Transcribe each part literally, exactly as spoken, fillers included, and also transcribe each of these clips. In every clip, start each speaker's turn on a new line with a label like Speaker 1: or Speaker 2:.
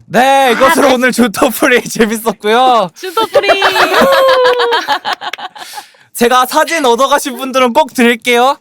Speaker 1: 네, 이것으로 오늘 주터프리 재밌었고요.
Speaker 2: 주터프리.
Speaker 1: 제가 사진 얻어가신 분들은 꼭 드릴게요.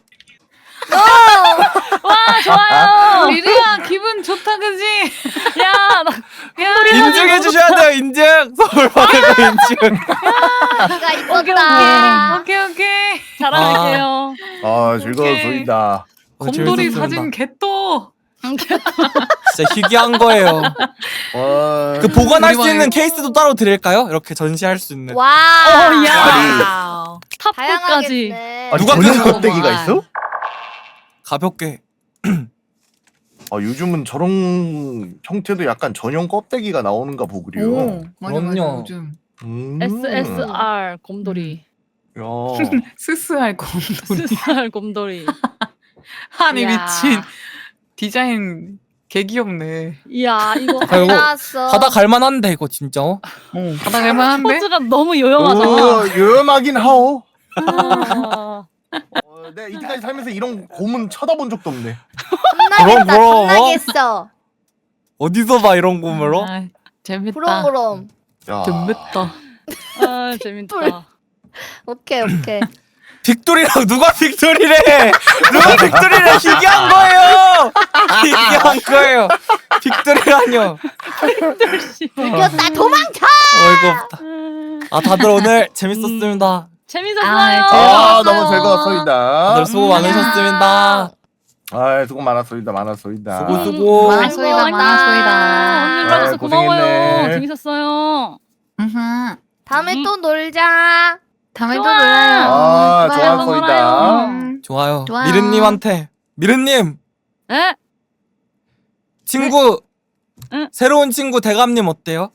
Speaker 2: 와 좋아요.
Speaker 3: 리리야 기분 좋다 그지?
Speaker 2: 야, 나
Speaker 1: 인증해 주셔야 돼요. 인증. 선물 받은 거 인증.
Speaker 4: 네가 이뻤다.
Speaker 3: 오케이 오케이.
Speaker 2: 자랑할게요.
Speaker 5: 아 즐거웠습니다.
Speaker 1: 어,
Speaker 3: 곰돌이
Speaker 1: 재밌었습니다.
Speaker 3: 사진 개또.
Speaker 1: 진짜 희귀한 거예요.
Speaker 5: 와.
Speaker 1: 그 보관할 수
Speaker 3: 우리
Speaker 1: 있는
Speaker 3: 방에-
Speaker 1: 케이스도 따로 드릴까요? 이렇게 전시할 수 있는.
Speaker 4: 와.
Speaker 2: 어, 야.
Speaker 3: 와우.
Speaker 2: 탑까지.
Speaker 4: 다양하겠네.
Speaker 5: 아,
Speaker 1: 누가
Speaker 5: 전용
Speaker 1: 그거
Speaker 5: 껍데기가 있어?
Speaker 1: 가볍게.
Speaker 5: 아 요즘은 저런 형태도 약간 전용 껍데기가 나오는가 보구려.
Speaker 3: 오 맞아 맞아
Speaker 1: 그럼요.
Speaker 3: 요즘
Speaker 5: 음.
Speaker 2: 에스에스알 곰돌이.
Speaker 5: 야.
Speaker 3: 스스할 곰돌이.
Speaker 2: 에스에스알 곰돌이.
Speaker 3: 아니
Speaker 2: 이야.
Speaker 3: 미친 디자인 개 귀엽네.
Speaker 2: 이야 이거
Speaker 1: 아,
Speaker 4: 잘
Speaker 1: 이거
Speaker 4: 나왔어.
Speaker 1: 바다 갈만한데 이거 진짜.
Speaker 3: 어 바닥 할만한데?
Speaker 2: 포즈가 너무 요염하잖아.
Speaker 5: 어, 유연하긴 하오.
Speaker 2: 아,
Speaker 5: 어, 내가 이때까지 살면서 이런 곰은 쳐다본 적도 없네.
Speaker 4: 겁나겠다.
Speaker 1: 그럼, 그럼.
Speaker 4: 겁나겠어.
Speaker 1: 어디서 봐 이런 꿈으로?
Speaker 3: 아, 재밌다.
Speaker 4: 그럼 그럼.
Speaker 5: 야.
Speaker 3: 재밌다.
Speaker 2: 아 재밌다.
Speaker 4: 오케이 오케이.
Speaker 1: 빅돌이랑 누가 빅돌이래? 누가 빅돌이래? 희귀한 거예요. 희귀한 거예요. 빅돌이라뇨.
Speaker 4: 이겼다. 도망쳐.
Speaker 1: 어이가 없다. 아 다들 오늘 재밌었습니다.
Speaker 2: 재밌었어요.
Speaker 5: 아
Speaker 4: 재밌었어요.
Speaker 5: 너무 즐거웠습니다.
Speaker 1: 다들 수고 많으셨습니다.
Speaker 5: 아 수고 많았습니다. 많았습니다.
Speaker 1: 수고 수고.
Speaker 3: 많아 소이다, 많아 소이다.
Speaker 2: 언니 와줘서
Speaker 5: 아이,
Speaker 2: 고마워요.
Speaker 5: 고생했네.
Speaker 2: 재밌었어요.
Speaker 3: 으흠.
Speaker 4: 다음에
Speaker 2: 음.
Speaker 4: 또 놀자.
Speaker 3: 다음에 또
Speaker 2: 좋아.
Speaker 3: 놀아요.
Speaker 5: 아
Speaker 2: 좋아요,
Speaker 5: 좋았소이다.
Speaker 3: 음.
Speaker 1: 좋아요.
Speaker 3: 좋아요.
Speaker 1: 미르님한테 미르님
Speaker 2: 에?
Speaker 1: 친구
Speaker 2: 응?
Speaker 1: 새로운 친구 대감님 어때요?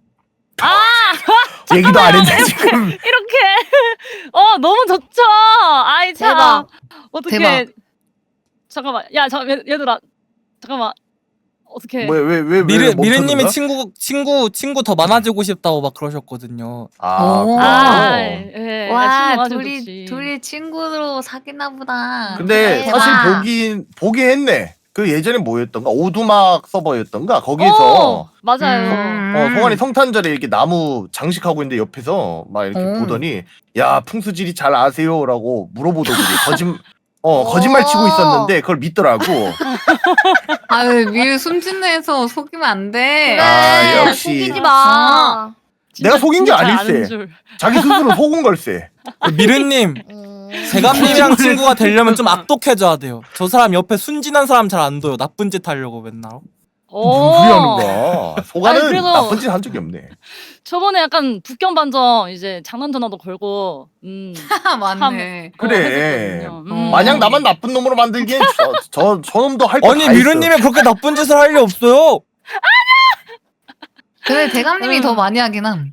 Speaker 5: 얘기도 안 했는데 지금.
Speaker 2: 이렇게 어 너무 좋죠. 아이 참
Speaker 4: 대박.
Speaker 2: 어떻게
Speaker 3: 대박.
Speaker 2: 잠깐만 야 잠깐 얘들아 잠깐만 어떻게
Speaker 5: 왜왜왜 왜, 왜
Speaker 1: 미르
Speaker 5: 멈췄는가?
Speaker 1: 미르님이 친구 친구 친구 더 많아지고 싶다고 막 그러셨거든요.
Speaker 5: 아,
Speaker 3: 오.
Speaker 2: 아,
Speaker 5: 그렇구나.
Speaker 2: 예,
Speaker 3: 와
Speaker 2: 와
Speaker 3: 둘이
Speaker 2: 둘이
Speaker 3: 둘이 친구로 사귀나 보다.
Speaker 5: 근데
Speaker 4: 대박.
Speaker 5: 사실 보긴 보긴 했네. 그 예전에 뭐였던가 오두막 서버였던가 거기서
Speaker 2: 맞아요.
Speaker 3: 음.
Speaker 5: 어, 송환이 성탄절에 이렇게 나무 장식하고 있는데 옆에서 막 이렇게
Speaker 3: 음.
Speaker 5: 보더니 야 풍수지리 잘 아세요라고 물어보더니 거짓 어 거짓말 치고 있었는데 그걸 믿더라고.
Speaker 3: 아유 미유 숨짓내서 속이면 안 돼.
Speaker 4: 그래.
Speaker 5: 아, 역시.
Speaker 4: 속이지 마.
Speaker 2: 진짜-
Speaker 5: 내가 속인 게
Speaker 2: 진짜 잘
Speaker 5: 아닐세.
Speaker 2: 아는 줄.
Speaker 5: 자기 스스로 속은 걸세.
Speaker 1: 미르님
Speaker 4: 음.
Speaker 1: 대감님이랑 친구가 되려면 좀 악독해져야 돼요. 저 사람 옆에 순진한 사람 잘 안 둬요. 나쁜 짓 하려고 맨날.
Speaker 2: 오.
Speaker 5: 무리 하는 거야. 소가는
Speaker 2: 아니, 그래도-
Speaker 5: 나쁜 짓 한 적이 없네.
Speaker 2: 저번에 약간 북경반점 이제 장난 전화도 걸고 음.
Speaker 3: 맞네.
Speaker 5: 그래.
Speaker 2: 했었거든요. 음.
Speaker 5: 마냥 나만 나쁜 놈으로 만들기엔 저, 저, 저놈도 할 거 다
Speaker 1: 아니
Speaker 5: 있어.
Speaker 1: 미르님이 그렇게 나쁜 짓을 할 리 없어요.
Speaker 3: 근데 대감님이
Speaker 2: 음.
Speaker 3: 더 많이 하긴 함.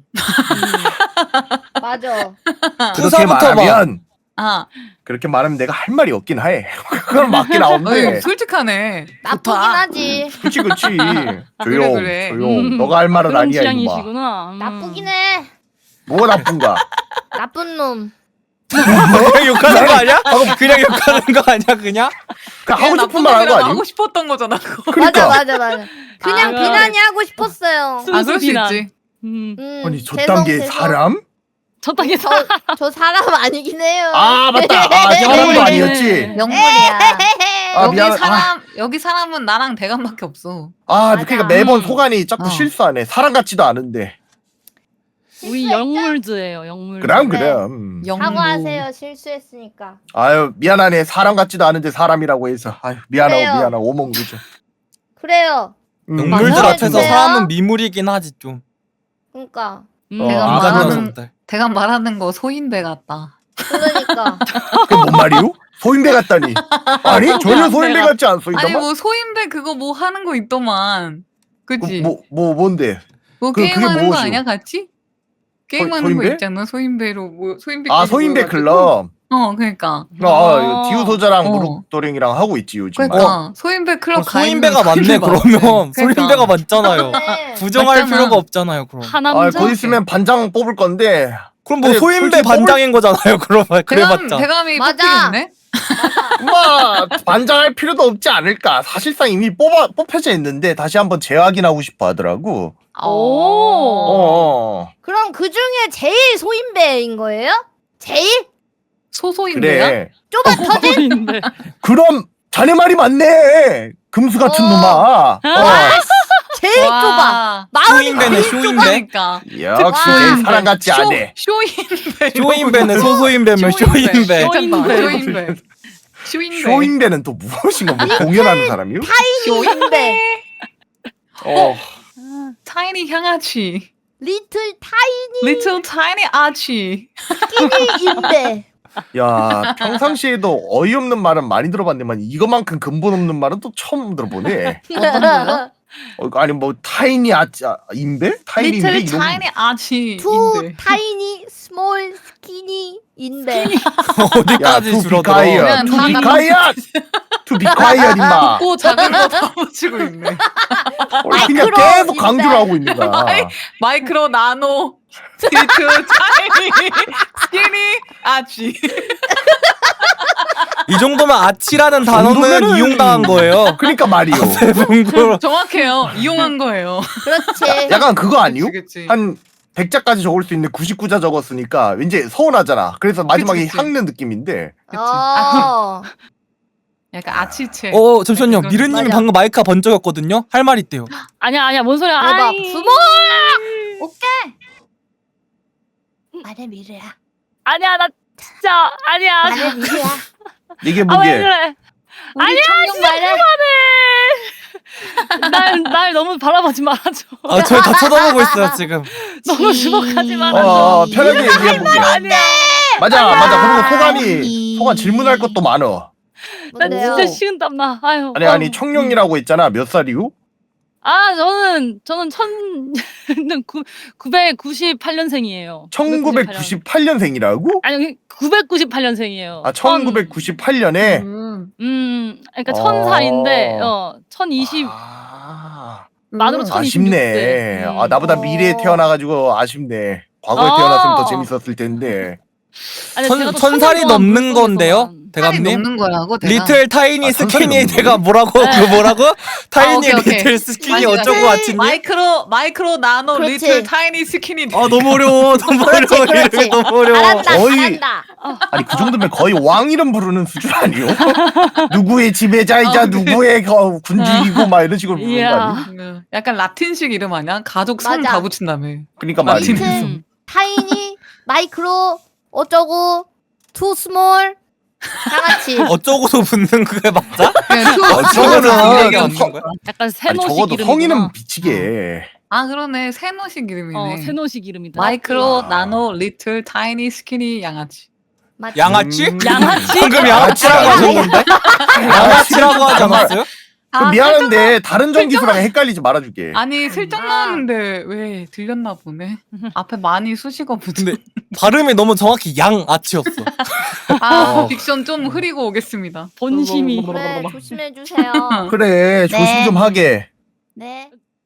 Speaker 4: 맞아.
Speaker 5: 그렇게
Speaker 1: 부사부터 봐.
Speaker 5: 말하면
Speaker 3: 아,
Speaker 5: 그렇게 말하면 내가 할 말이 없긴 해. 그건 맞긴
Speaker 3: 어이,
Speaker 5: 한데.
Speaker 3: 솔직하네.
Speaker 4: 나쁘긴
Speaker 3: 좋다.
Speaker 4: 하지.
Speaker 5: 그치 그치.
Speaker 3: 그래,
Speaker 5: 조용
Speaker 3: 그래.
Speaker 5: 조용.
Speaker 2: 음.
Speaker 5: 너가 할 말은
Speaker 2: 그런
Speaker 5: 아니야 이놈아.
Speaker 2: 취향이시구나. 음.
Speaker 4: 나쁘긴 해.
Speaker 5: 뭐가 나쁜가?
Speaker 4: 나쁜 놈.
Speaker 1: 그냥 욕하는 거 아니야? 그냥 욕하는 거 아니야 그냥?
Speaker 5: 그 하고
Speaker 3: 나쁜
Speaker 5: 싶은 말 하는 거
Speaker 3: 놈이라고
Speaker 5: 아니야?
Speaker 3: 하고 싶었던 거잖아. 그거.
Speaker 5: 그러니까.
Speaker 4: 맞아 맞아 맞아. 그냥
Speaker 2: 아,
Speaker 4: 비난이 하고 싶었어요.
Speaker 2: 순수
Speaker 3: 아, 그럴 수
Speaker 2: 비난.
Speaker 3: 있지.
Speaker 2: 음.
Speaker 4: 음,
Speaker 5: 아니 저
Speaker 4: 죄송,
Speaker 5: 단계
Speaker 4: 죄송.
Speaker 5: 사람?
Speaker 2: 저 땅에
Speaker 4: 저, 저 사람 아니긴 해요.
Speaker 5: 아 맞다. 아 사람도
Speaker 2: 영물이네.
Speaker 5: 아니었지.
Speaker 3: 명물이야.
Speaker 5: 아,
Speaker 3: 여기
Speaker 5: 미안.
Speaker 3: 사람 여기 사람은 나랑 대감밖에 없어.
Speaker 5: 아
Speaker 4: 맞아.
Speaker 5: 그러니까 매번
Speaker 2: 음.
Speaker 5: 소관이 자꾸
Speaker 3: 어.
Speaker 5: 실수하네. 사람 같지도 않은데.
Speaker 2: 우리 영물즈예요. 영물.
Speaker 5: 그럼
Speaker 4: 네.
Speaker 5: 그럼.
Speaker 3: 영무.
Speaker 4: 사과하세요. 실수했으니까.
Speaker 5: 아유 미안하네. 사람 같지도 않은데 사람이라고 해서. 아유 미안하고
Speaker 4: 그래요.
Speaker 5: 미안하고 오멍 그죠.
Speaker 4: 그래요.
Speaker 5: 음.
Speaker 1: 영물들
Speaker 3: 맞아요.
Speaker 1: 앞에서
Speaker 4: 해주세요.
Speaker 1: 사람은 미물이긴 하지 좀.
Speaker 4: 그러니까.
Speaker 2: 음.
Speaker 5: 어,
Speaker 3: 내가
Speaker 1: 인간
Speaker 3: 말하는-
Speaker 1: 녀석들.
Speaker 3: 대감 말하는 거 소인배 같다.
Speaker 4: 그러니까.
Speaker 5: 그게 뭔 말이요? 소인배 같다니. 아니 전혀 소인배 같지 않소이다만.
Speaker 3: 아니 뭐 소인배 그거 뭐 하는 거 있더만. 그치?
Speaker 5: 뭐, 뭐 뭔데?
Speaker 3: 뭐
Speaker 5: 그- 그게
Speaker 3: 게임하는 거
Speaker 5: 뭐죠?
Speaker 3: 아니야 같이? 게임하는
Speaker 5: 소인배?
Speaker 3: 거 있잖아 소인배로 뭐 소인배.
Speaker 5: 아 소인배 클럽.
Speaker 3: 어 그러니까.
Speaker 5: 아,
Speaker 2: 어.
Speaker 5: 디우 소자랑
Speaker 3: 어.
Speaker 5: 무릎도랭이랑 하고 있지 요즘.
Speaker 3: 그러니까
Speaker 5: 어.
Speaker 3: 소인배 클럽
Speaker 1: 어,
Speaker 3: 가입
Speaker 1: 소인배가 맞네 그러면. 소인배가
Speaker 3: 그러니까.
Speaker 1: 맞잖아요.
Speaker 4: 네.
Speaker 1: 부정할
Speaker 3: 맞잖아.
Speaker 1: 필요가 없잖아요 그럼.
Speaker 5: 아
Speaker 2: 하남자.
Speaker 5: 곧 있으면 반장 뽑을 건데
Speaker 1: 그럼 뭐
Speaker 5: 아니,
Speaker 1: 소인배
Speaker 5: 솔직히
Speaker 1: 반장인 거잖아요. 그러면
Speaker 3: 대감
Speaker 1: 그래봤자.
Speaker 3: 대감이
Speaker 4: 맞아.
Speaker 3: 뽑히겠네.
Speaker 5: 뭐 반장할 필요도 없지 않을까. 사실상 이미 뽑아 뽑혀져 있는데 다시 한번 재확인하고 싶어 하더라고.
Speaker 2: 오.
Speaker 5: 어.
Speaker 4: 그럼 그 중에 제일 소인배인 거예요? 제일?
Speaker 3: 소소인데요?
Speaker 5: 그래.
Speaker 4: 좁아 터진?
Speaker 2: 소인배.
Speaker 5: 그럼 자네 말이 맞네. 금수 같은
Speaker 4: 어.
Speaker 5: 놈아. 어.
Speaker 4: 제일 좁아. 마음이
Speaker 1: 쇼인배네
Speaker 4: 제일
Speaker 1: 쇼인배.
Speaker 3: 그러니까
Speaker 5: 역시
Speaker 4: 와.
Speaker 5: 내 사람 같지 않네.
Speaker 3: 쇼인배.
Speaker 1: 쇼인배네 소소인배면 쇼인배.
Speaker 3: 쇼인배. 쇼인배. 쇼인배.
Speaker 5: 쇼인배는 또 무엇인가 뭐 공연하는 사람이요?
Speaker 4: 쇼인배.
Speaker 5: 어.
Speaker 3: 타이니 향아치.
Speaker 4: 리틀 타이니
Speaker 3: Little tiny 아치.
Speaker 4: 인배.
Speaker 5: 야 평상시에도 어이없는 말은 많이 들어봤는데만 이거만큼 근본 없는 말은 또 처음 들어보네. 어, 아니 뭐 타이니 아짜 인배? 타이니 인배
Speaker 3: Little
Speaker 5: 이런
Speaker 3: tiny 아치.
Speaker 4: 투
Speaker 3: 인데.
Speaker 4: 타이니 스몰 스키니 인배.
Speaker 1: 어디까지 줄어들어?
Speaker 3: 그냥
Speaker 5: 투
Speaker 3: 다
Speaker 5: 비카이엇 투 비카이엇 임마.
Speaker 3: 고 작은 거 다 붙이고 있네.
Speaker 5: 그냥
Speaker 4: 마이크로
Speaker 5: 계속
Speaker 4: 인배.
Speaker 5: 강조를 하고 있는 거야.
Speaker 3: 마이크로 나노 Little tiny skinny 아치.
Speaker 1: 이 정도면 아치라는 단어는
Speaker 5: 정도면은-
Speaker 1: 이용당한 거예요.
Speaker 5: 그러니까 말이요.
Speaker 1: 대bun구.
Speaker 3: 정확해요. 이용한 거예요.
Speaker 4: 그렇지.
Speaker 5: 약간 그거 아니요?
Speaker 3: 그치, 그치.
Speaker 5: 한 백 자까지 적을 수 있는데 구십구 자 적었으니까 왠지 서운하잖아. 그래서 마지막에
Speaker 3: 그치.
Speaker 5: 향는 느낌인데.
Speaker 3: 그치.
Speaker 4: 어.
Speaker 3: 약간 아치체.
Speaker 1: 어 잠시만요.
Speaker 3: 그런-
Speaker 1: 미르님이
Speaker 4: 맞아.
Speaker 1: 방금 마이크가 번쩍였거든요. 할 말 있대요.
Speaker 2: 아니야 아니야 뭔 소리야.
Speaker 4: 대박.
Speaker 2: 아이.
Speaker 4: 스몰. 오케이. 말해 미래야.
Speaker 2: 아니야 나 진짜 아니야.
Speaker 4: 말해 미래야.
Speaker 5: 이게
Speaker 2: 아 왜
Speaker 5: 뭐게?
Speaker 2: 그래?
Speaker 4: 아니야 청룡 말해.
Speaker 2: 날, 날 너무 바라보지 말아줘.
Speaker 1: 아 저희 다 쳐다보고 있어요 지금.
Speaker 2: 너무 주목하지 말아줘.
Speaker 5: 어, 편하게 얘기해 보게.
Speaker 2: 아니야.
Speaker 5: 맞아, 맞아. 그리고 소감이 소감 질문할 것도 많어.
Speaker 2: 나
Speaker 4: 뭔데요?
Speaker 2: 진짜 식은땀 나. 아유.
Speaker 5: 아니 아니 청룡이라고 했잖아. 몇 살이요?
Speaker 2: 아 저는 저는 천 구 구백구십팔 년생이에요.
Speaker 5: 천구백구십팔 년생이라고?
Speaker 2: 아니 구백구십팔 년생이에요.
Speaker 5: 아 천구백구십팔 년에.
Speaker 3: 음.
Speaker 2: 음, 그러니까
Speaker 5: 어.
Speaker 2: 천 살인데 어 천이십
Speaker 5: 아,
Speaker 2: 만으로 천이십육
Speaker 5: 아쉽네.
Speaker 2: 세. 음.
Speaker 5: 아 나보다
Speaker 4: 어.
Speaker 5: 미래에 태어나가지고 아쉽네. 과거에
Speaker 2: 어.
Speaker 5: 태어났으면 더 재밌었을 텐데.
Speaker 2: 아니,
Speaker 1: 천,
Speaker 2: 제가 또
Speaker 1: 천 살이
Speaker 2: 천년
Speaker 1: 넘는
Speaker 2: 동안
Speaker 1: 건데요,
Speaker 2: 물속에서만.
Speaker 3: 살이
Speaker 1: 대감님.
Speaker 3: 넘는 거라고 대감.
Speaker 1: 리틀 타이니
Speaker 5: 아, 천 살이
Speaker 1: 스키니
Speaker 5: 넘는
Speaker 1: 제가 뭐라고 그 뭐라고? 타이니
Speaker 3: 오케이, 오케이.
Speaker 1: 리틀 스키니
Speaker 3: 다시,
Speaker 1: 어쩌고
Speaker 3: 다시.
Speaker 1: 아치니?
Speaker 3: 마이크로 마이크로 나노
Speaker 4: 그렇지.
Speaker 3: 리틀 타이니 스키니.
Speaker 1: 아 너무 어려워, 너무
Speaker 4: 그렇지,
Speaker 1: 어려워,
Speaker 4: 그렇지.
Speaker 1: 이름이 너무 어려워.
Speaker 4: 잘한다
Speaker 5: 거의-
Speaker 4: 잘한다.
Speaker 5: 아니 그 정도면 거의 왕 이름 부르는 수준 아니요? 누구의 지배자이자
Speaker 3: 어, 근데-
Speaker 5: 누구의 거- 군주이고 막 이런 식으로 부르는 거
Speaker 2: 이야.
Speaker 5: 아니?
Speaker 3: 음, 약간 라틴식 이름 아니야? 가족 성
Speaker 4: 맞아.
Speaker 3: 다 붙인다며.
Speaker 5: 그러니까
Speaker 3: 맞지.
Speaker 5: 말이지.
Speaker 2: 음.
Speaker 4: 타이니 마이크로 어쩌고 투 스몰 양아치.
Speaker 1: 어쩌고서 붙는 그게 맞아?
Speaker 3: 그냥 투-
Speaker 5: 어쩌고는
Speaker 1: 얘기 없는 거야?
Speaker 2: 약간
Speaker 5: 아니
Speaker 2: 세노식
Speaker 5: 적어도
Speaker 2: 이름이구나.
Speaker 5: 성인은 미치게.
Speaker 3: 아 그러네 세노식 이름이네.
Speaker 2: 어 세노식 이름이다.
Speaker 3: 마이크로
Speaker 5: 아.
Speaker 3: 나노 리틀 타이니 스키니 양아치.
Speaker 4: 맞지?
Speaker 1: 양아치?
Speaker 5: 음.
Speaker 2: 양아치?
Speaker 1: 방금 양아치라고 하셨는데? 양아치라고 하지 않았어요?
Speaker 5: 그럼
Speaker 3: 아,
Speaker 5: 미안한데 다른 전기수랑 헷갈리지 말아줄게.
Speaker 3: 아니 슬쩍
Speaker 4: 아.
Speaker 3: 나오는데 왜 들렸나 보네. 앞에 많이 쑤시고 붙은.
Speaker 1: 근데 발음이 너무 정확히 양아치였어.
Speaker 3: 아
Speaker 5: 어.
Speaker 3: 딕션 좀 흐리고 오겠습니다.
Speaker 2: 본심이.
Speaker 4: 그래 조심해 주세요.
Speaker 5: 그래 조심
Speaker 4: 네.
Speaker 5: 좀 하게.
Speaker 4: 네.